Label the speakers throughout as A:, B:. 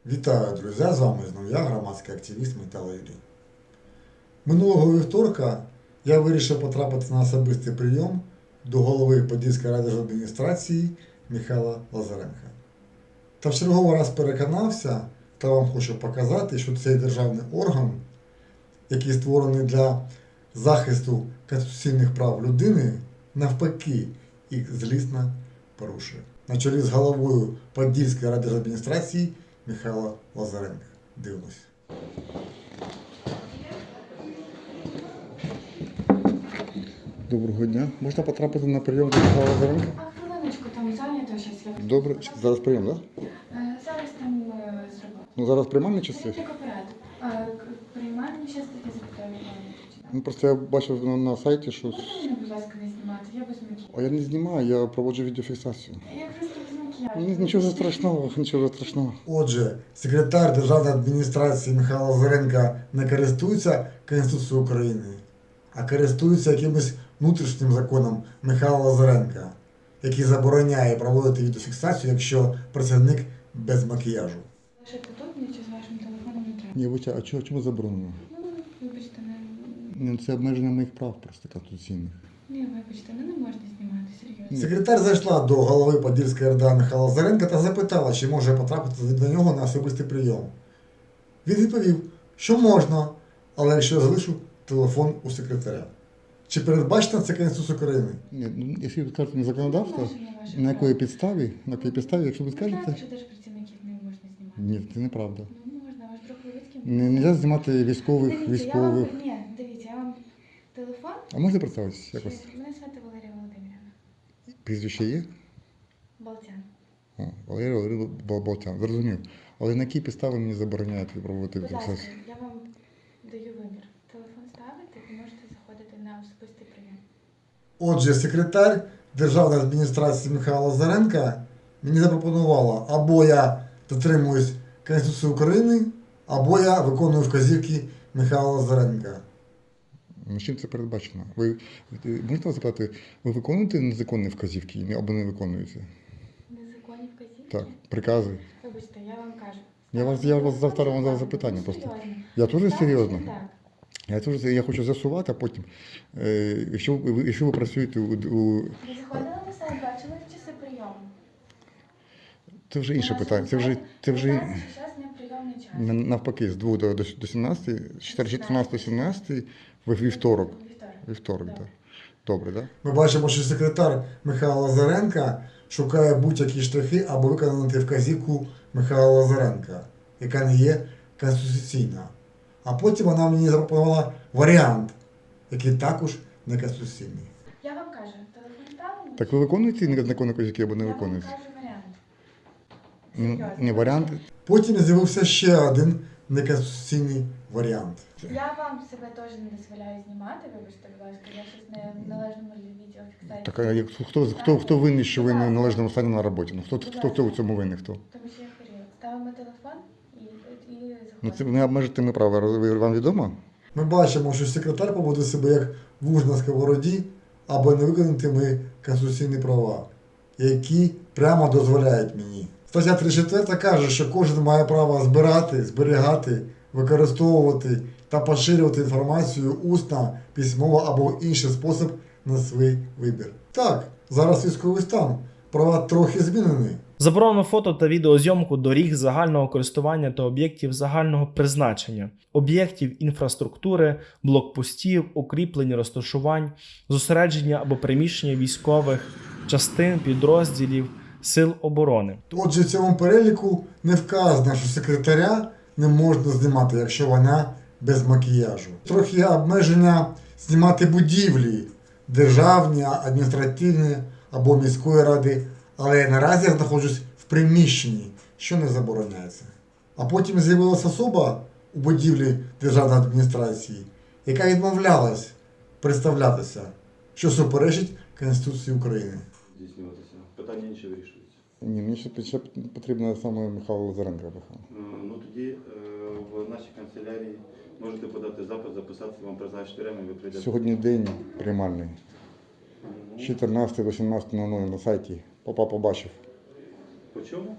A: Вітаю, друзі! З вами знову я, громадський активіст Митало Юрій. Минулого вівторка я вирішив потрапити на особистий прийом до голови Подільської райдержадміністрації Михайла Лазаренка. Та в черговий раз переконався, та вам хочу показати, що цей державний орган, який створений для захисту конституційних прав людини, навпаки, їх злісно порушує. На чолі з головою Подільської райдержадміністрації Михайла Лазаренка. Дивимось. Доброго дня. Можна потрапити на прийом до Михайла Лазаренка?
B: А хвилиночку, там зайнято щось.
A: Добре. Зараз прийом, так?
B: Зараз там зробимо.
A: Ну зараз приймальні часи?
B: Тільки поряд. Приймальні щас таки запитаю.
A: Ну просто я бачив на сайті, що...
B: Можна мене, будь ласка, не знімати? Я без макіяжу.
A: А я не знімаю, я проводжу відеофіксацію.
B: Я просто без макіяжу.
A: Нічого страшного. Отже, секретар Державної адміністрації Михайла Лазаренка не користується Конституцією України, а користується якимось внутрішнім законом Михайла Лазаренка, який забороняє проводити відеофіксацію, якщо працівник без макіяжу.
B: Лишити тут, нічого з вашим телефоном не треба.
A: Ні, вибачте, а чому заборонено?
B: Вибачте,
A: Це обмеження моїх прав просто конституційних.
B: вибачте, не можна знімати, серйозно.
A: Секретар зайшла до голови Подільської РДА Михайла Лазаренка та запитала, чи може потрапити до нього на особистий прийом. Він відповів, що можна, але якщо я залишу телефон у секретаря. Чи передбачено це Конституція України? Ні, якщо ви скажете законодавство, на якій підставі, якщо ви скажете...
B: Знаєте, що держпрацівників не можна знімати?
A: Ні, це неправда.
B: Ну, можна, ваш друг Левицький.
A: Не можна знімати військових.
B: Дивіться, я вам телефон.
A: А можна представитися якось?
B: Мене звати Валерія Володимирівна.
A: Прізвище є?
B: Болтян.
A: О, Валерій Болтян, зрозумів. Але на які підстави мені забороняють проводити
B: Будь ласка,
A: відеофіксацію?
B: я вам даю вибір. Телефон ставити і можете заходити на особистий прийом.
A: Отже, секретар Державної адміністрації Михайла Лазаренка мені запропонувала, або я дотримуюсь Конституції України, або я виконую вказівки Михайла Лазаренка. Чим це передбачено? Ви можете запитати, ви виконуєте незаконні вказівки або не виконуєте?
B: Незаконні вказівки?
A: Так, прикази.
B: Вибачте, я вам кажу.
A: Я вас завтра вам задав запитання просто.
B: Серйозно.
A: Я теж серйозно.
B: Так.
A: Я хочу з'ясувати, а потім, якщо ви працюєте
B: Ви заходили на сайт, бачили часи прийому?
A: це вже інше питання. Це вже
B: Зараз не прийомний час.
A: навпаки, з 2 до 17, 14-17 вівторок. Вівторок, так. Добре, так? Ми бачимо, що секретар Михайла Лазаренка шукає будь-які штрихи, аби виконати вказівку Михайла Лазаренка, яка не є конституційна. А потім вона мені запропонувала варіант, який також не конституційний.
B: Я вам кажу, телефон ставимо?
A: Так ви виконуєте незаконні вказівки або не виконуєте?
B: Я вам кажу варіант. Серйозно.
A: Не варіант. Потім з'явився ще один неконституційний варіант.
B: Я вам себе теж не дозволяю знімати, вибачте, будь ласка, я щось не в належному відеофіксації.
A: Так, а хто винний, що ви не в належному стані на роботі? Ну, хто в цьому винний? Хто?
B: Тому що я хворію. Ставимо телефон і
A: Ну, це
B: заходимо.
A: не обмежити ми права, вам відомо? Ми бачимо, що секретар поводить себе як вуж на сковороді, або не виконати ми конституційні права, які прямо дозволяють мені. Стаття 34 каже, що кожен має право збирати, зберігати, використовувати та поширювати інформацію усно, письмово або в інший спосіб на свій вибір. Так, зараз військовий стан, права трохи змінені.
C: Заборонено фото та відеозйомку доріг загального користування та об'єктів загального призначення, об'єктів інфраструктури, блокпостів, укріплень, розташувань, зосередження або приміщення військових частин, підрозділів, сил оборони.
A: Отже, в цьому переліку не вказано, що секретаря не можна знімати, якщо вона без макіяжу. Трохи є обмеження знімати будівлі, державні, адміністративні або міської ради, але я наразі знаходжусь в приміщенні, що не забороняється. А потім з'явилася особа у будівлі державної адміністрації, яка відмовлялась представлятися, що суперечить Конституції України.
D: Здійснюватися. Питання інші вирішуються.
A: Ні, мені ще потрібно саме Михайло Лазаренко.
D: Ну тоді в нашій канцелярії можете подати запит, записатися, вам призначити время, ви прийдете.
A: Сьогодні день приймальний. З 14 до 17:00 на сайті. Папа побачив.
D: По чому?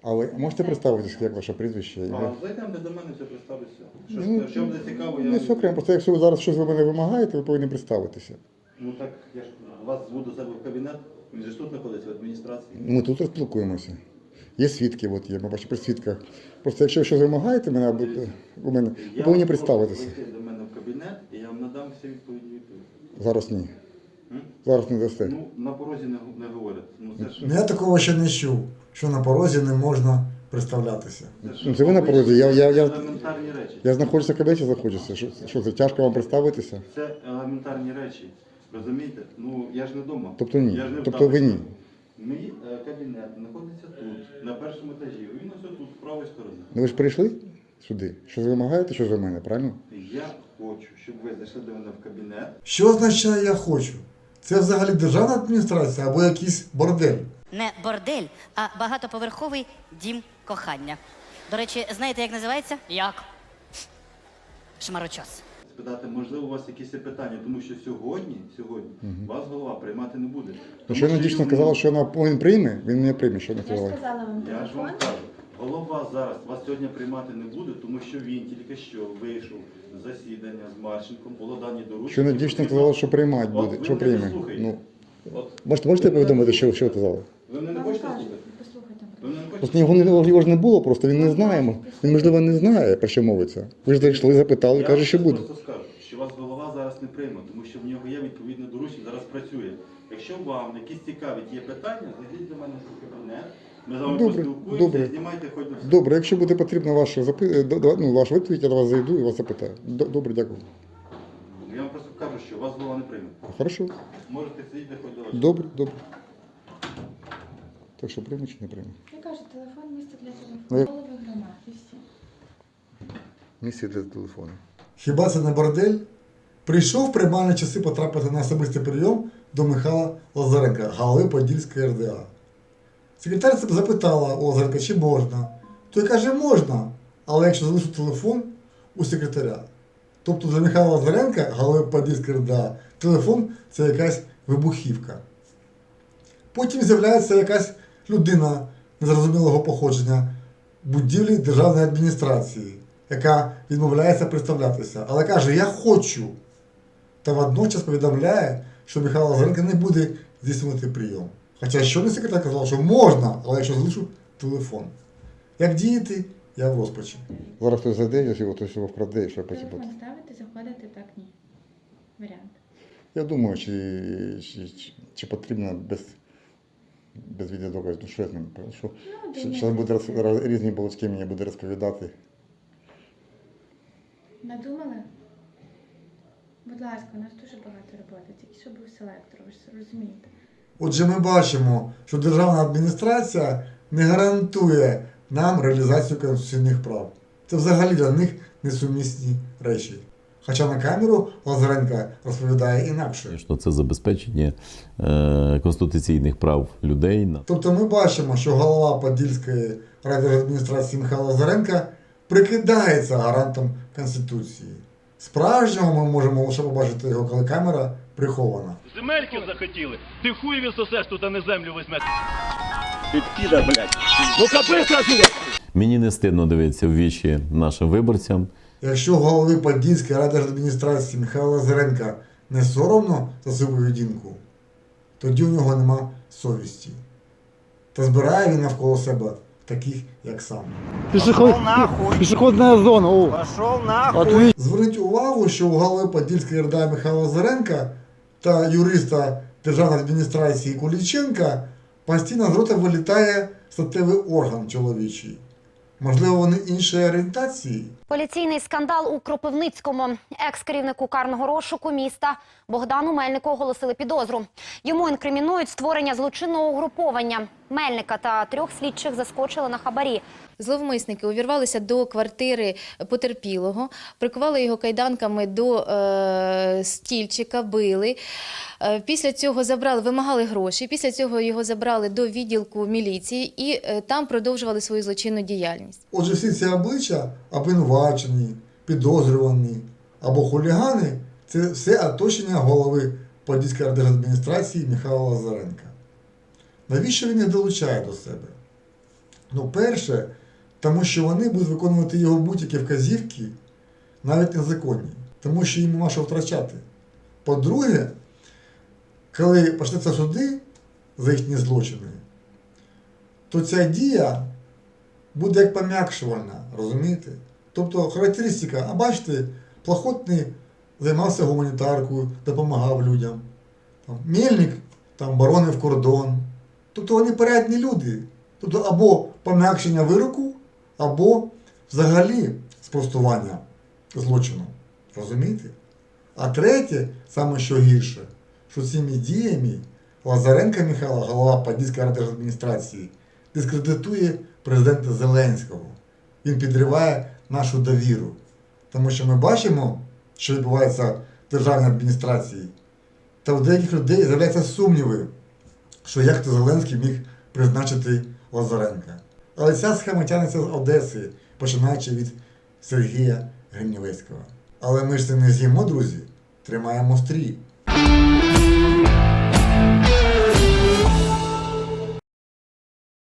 E: А ви можете представитися, як ваше прізвище?
D: А зайдемо до мене, все представлюся.
E: Ну,
D: Що буде цікаво, я...
E: Не все окремо, просто якщо ви зараз щось ви мене вимагаєте, ви повинні представитися.
D: Ну так, я ж вас зву до себе в кабінет, він же ж тут знаходиться в адміністрації.
E: Ми тут спілкуємося. Є свідки, от є, ми бачимо при свідках. Просто якщо ви щось вимагаєте мене, або у мене, ви повинні представитися.
D: Прийти до мене в кабінет, і я вам надам всі відповідні відповіді.
E: Зараз ні.
D: М?
E: Зараз не дасте.
D: Ну, на порозі не говорять. Ну, це ж...
A: Ну, я такого ще не чув, що на порозі не можна представлятися.
E: Ну, це ви на порозі.
D: елементарні речі.
E: Я знаходжуся в кабінеті, знаходжуся. Що це, тяжко вам представитися?
D: Це елементарні речі. Розумієте? Ну, я ж не вдома.
E: Тобто ні.
D: Я ж не в
E: Тобто ви ні.
D: Мій кабінет знаходиться тут, на першому етажі. Він ось тут, з правої сторони.
E: Ну ви ж прийшли сюди? Щось ви вимагаєте, щось від мене, правильно?
D: Я хочу, щоб ви зайшли до мене в кабінет.
A: Що означає я хочу? Це взагалі державна адміністрація або якийсь бордель?
F: Не бордель, а багатоповерховий дім кохання. До речі, знаєте, як називається? Як? Шмарочос.
D: Спитати, можливо, у вас якісь є питання, тому що сьогодні вас голова приймати не буде.
E: Ну, що вона дійсно казала, що він прийме, він мене прийме, що вона
B: Я ж
E: сказала.
B: сказала вам
D: Я ж вам
B: телефон.
D: кажу, голова зараз вас сьогодні приймати не буде, тому що він тільки що вийшов з засідання з Марченком, було дані доручення.
E: Що вона дійсно казала, що приймати
D: От
E: буде,
D: ви
E: що
D: мене
E: прийме.
D: слухаєте.
E: Ну,
D: От,
E: можете повідомити, що казала?
D: ви мене не
B: Вам
D: хочете
B: кажуть,
D: слухати?
B: послухайте.
D: Ви мене не хочете?
E: Просто його ж не було, просто він не знає. Він, можливо, не знає, про що мовиться. Ви ж зайшли, запитали, каже, що буде.
D: Я просто скажу, що вас голова зараз не прийме, тому що в нього є відповідне доручення, зараз працює. Якщо вам якісь цікаві є питання, зайдіть до мене в кабінет, ми з вами
E: Добре,
D: поспілкуємося,
E: добре.
D: знімайте хоч на все.
E: Добре, якщо буде потрібна ваша ваша відповідь, я до вас зайду і вас запитаю. Добре, дякую.
D: Я вам просто кажу, що вас голова не прийме.
E: Хорошо.
D: Можете сидіти хоч до вас.
E: Добре, добре. Так що прийме чи не прийме?
B: Я кажу, телефон, місце для
E: Ну, я-
B: телефону, голови громад і всі.
E: Місце для телефону.
A: Хіба це не бордель? Прийшов в приймальні часи потрапити на особистий прийом до Михайла Лазаренка, голови Подільської РДА. Секретар запитала у Лазаренка, чи можна. Той каже, можна, але якщо залишу телефон у секретаря. Тобто для Михайла Лазаренка, голови Подільської РДА, телефон – це якась вибухівка. Потім з'являється якась людина незрозумілого походження в будівлі державної адміністрації, яка відмовляється представлятися, але каже, я хочу. Та водночас повідомляє, що Михайло Лазаренко не буде здійснювати прийом. Хоча щойно секретар казав, що можна, але якщо залишу телефон. Як діяти, я в розпачі.
E: Зараз хтось зайде, якщо хтось його вкраде, і що потім буде.
B: Телефон ставити, заходити, так ні. Варіант.
E: Я думаю, чи потрібно без відеодоказів. Ну що я з ним? Що,
B: думаю,
E: що буде
B: це-
E: різні балачки мені буде розповідати.
B: Надумали? Будь ласка, у нас дуже багато роботи, тільки що був селектор, ви ж розумієте.
A: Отже, ми бачимо, що державна адміністрація не гарантує нам реалізацію конституційних прав. Це взагалі для них несумісні речі. Хоча на камеру Лазаренко розповідає інакше.
G: Що це забезпечення конституційних прав людей.
A: Тобто ми бачимо, що голова Подільської райдержадміністрації Михайло Лазаренко прикидається гарантом Конституції. Справжнього ми можемо лише побачити його, коли камера прихована.
H: Земельки захотіли. Ти хуй відсосеш тут, а не землю візьмеш.
G: Мені не стидно дивитися в вічі нашим виборцям.
A: Якщо голові Подільської райдержадміністрації Михайла Лазаренка не соромно за свою поведінку, тоді у нього нема совісті. Та збирає він навколо себе таких, як сам.
E: Пішохідна зона. О.
I: Пошел нахуй!
A: Зверніть увагу, що у голови Подільської РДА Михайла Лазаренка та юриста Державної адміністрації Куліченка постійно з рота вилітає статевий орган чоловічий. Можливо, вони іншої орієнтації?
J: Поліційний скандал у Кропивницькому. Екс-керівнику карного розшуку міста Богдану Мельнику оголосили підозру. Йому інкримінують створення злочинного угруповання. Мельника та 3 слідчих заскочили на хабарі.
K: Зловмисники увірвалися до квартири потерпілого, прикували його кайданками до стільчика, били. Після цього вимагали гроші, після цього його забрали до відділку міліції і там продовжували свою злочинну діяльність.
A: Отже, всі ці обличчя обвинувачені, підозрювані або хулігани – це все оточення голови Подільської держадміністрації Михайла Лазаренка. Навіщо він їх долучає до себе? Ну, перше, тому що вони будуть виконувати його будь-які вказівки, навіть незаконні, тому що їм нема що втрачати. По-друге, коли почнуться суди за їхні злочини, то ця дія буде як пом'якшувальна, розумієте? Тобто характеристика, а бачите, Плохотний займався гуманітаркою, допомагав людям. Там, Мельник там, боронив кордон. Тобто вони порядні люди. Тобто або пом'якшення вироку, або взагалі спростування злочину. Розумієте? А третє, саме що гірше, що цими діями Лазаренко Михайло, голова Подільської райдержадміністрації, дискредитує президента Зеленського. Він підриває нашу довіру. Тому що ми бачимо, що відбувається в державній адміністрації, та у деяких людей з'являються сумніви, що як то Зеленський міг призначити Лазаренка. Але ця схема тягнеться з Одеси, починаючи від Сергія Гринівецького. Але ми ж це не з'їмо, друзі. Тримаємо стрій.